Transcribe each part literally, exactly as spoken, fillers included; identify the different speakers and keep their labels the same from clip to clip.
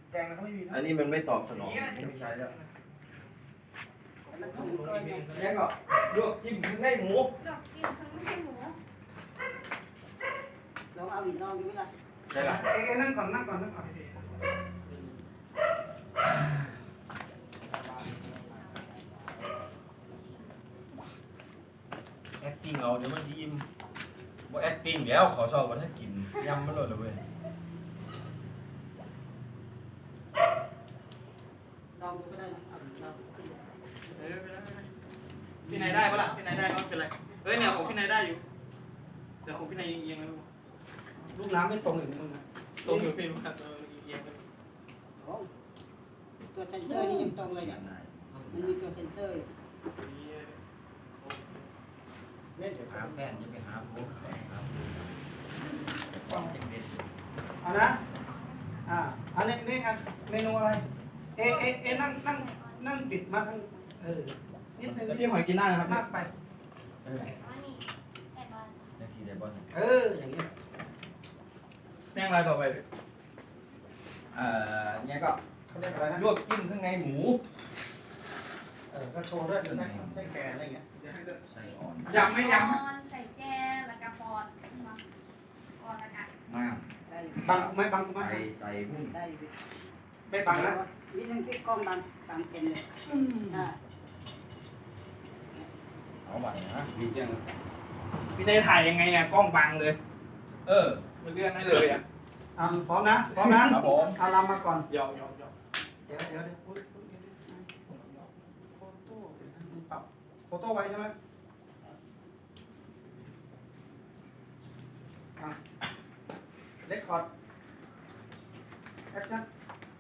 Speaker 1: แดงเขาไม่มีนะ
Speaker 2: อันนี้มันไม่ตอบสนอง
Speaker 1: ไม่ใช่แล้ว
Speaker 3: มันสูงเกินไง
Speaker 2: แล้วก็ลวกจิ้มข้างในหมู
Speaker 4: ดอกกินทั้งไม่ใช่หมู
Speaker 3: ลองเอาอีกลองดูไหมล่ะ
Speaker 2: ใช่ละ
Speaker 1: เอ้นั่งก่อนนั่งก่อนนั่งก่อน
Speaker 2: แอคติ้งเอาเดี๋ยวมันสิอิ่มบ่แอคติ้งแล้วขอชอบว่าถ้ากินยำมันหล่นเลยเว้ย
Speaker 3: ลองดูก็ได้นะเอาอีกลองขึ้น
Speaker 5: เออไม่ได้ไม่ได้พี่นายได้ปะล่ะพี่นายได้ก็ไม่เป็นไรเฮ้ยเนี่ยของพี่นายได้อยู่แต่ของพี่นายเอียงๆนะ
Speaker 1: ลูกน้ำไม่ตรงอย่างมึงนะ
Speaker 5: ตรงอยู่พี่มันเออเอียงๆกัน
Speaker 3: โอ้ตัวเซนเซอร์นี่ยังตรงเลยเนี่ยมันมีตัวเซนเซอร์อยู่
Speaker 1: เนี่ยเดี๋ยว
Speaker 2: หาแฟนจะไปหาผัวเขาครับความจังเด็ด
Speaker 1: เอานะอ่าอันนี้นี่อ่ะเมนูอะไรเอเอเอนั่งนั่งนั่งปิดมาทั้งเออนิดนึง
Speaker 5: พี่หอยกินได้นะครับ
Speaker 1: มากไป
Speaker 2: เออ
Speaker 4: อันนี้แอบบ้าน
Speaker 2: จังสีได้บ่เนี่ย
Speaker 1: เอออย่างนี้
Speaker 5: แป้งอะไรต่อไป
Speaker 2: เอ่อเนี่ยก็
Speaker 1: เขาเรียกอะไรนะ
Speaker 2: ลวกจิ้มข้างในหมู
Speaker 1: เออก็โชว์ด้วยใช่ใช่แกอะไรเงี้ย
Speaker 2: ใส่อ่อน
Speaker 5: ยำไม่ยำ
Speaker 4: ปอนใส่แจแล้วก็ปอนมาปอนแล้วกัน
Speaker 2: มาก
Speaker 3: ได้อยู่
Speaker 1: บังกูไหมบังกูไหม
Speaker 2: ใส่ใส่หุ้น
Speaker 3: ได้อยู่
Speaker 1: ไม่บังนะ
Speaker 3: นิดนึงพี่กล้องบังตามเป็นเลยได้
Speaker 2: เอาบัตรนะมีเรื่อง
Speaker 5: พี่นายถ่ายยังไงอ่ะกล้องบังเลย
Speaker 2: เออ
Speaker 5: มันเลื่อนได้เลยอ่ะ
Speaker 1: อ่ะพร้อมนะพร้อมนะครับ
Speaker 2: ผม
Speaker 1: เอาลำมาก่อน
Speaker 5: ยอกยอกยอก
Speaker 1: เดี๋ยวเดี๋ยวเดี๋ยวอุ๊ยอุ๊ยเดี๋ยวเดี๋ยวโฟโต้เดี๋ยวนะมึงปรับโฟโต้ไว้ใช่ไหมอ่ะเรคคอร์ดแอคชั่น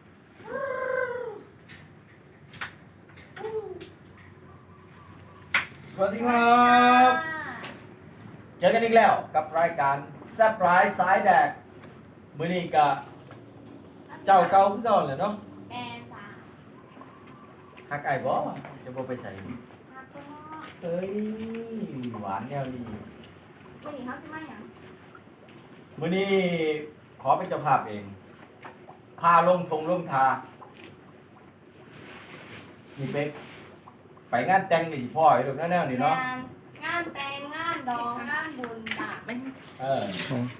Speaker 2: สวัสดีครับ เจอกันอีกแล้วกับรายการแซ่บร้ายสายแดกมื้อนี้ก็เจ้าเก่าคือเก่าแหละเนาะ
Speaker 4: แอร์สาม
Speaker 2: ฮักไอ้บ่จะบ่ไปใส่
Speaker 4: แล้วก็
Speaker 2: เฮ้ยหวานแนวดี
Speaker 4: วันนี้เขาจะมาอย่าง
Speaker 2: มื้อนี้ขอเป็นเจ้าภาพเอง พาลงทงลงทานี่เป็กไปงานแต่งนี่พ่อไอ้ดอกแนวๆนี่เนาะ
Speaker 4: งานงานแต่งงานดองงานบุญจ้ะ
Speaker 2: เออ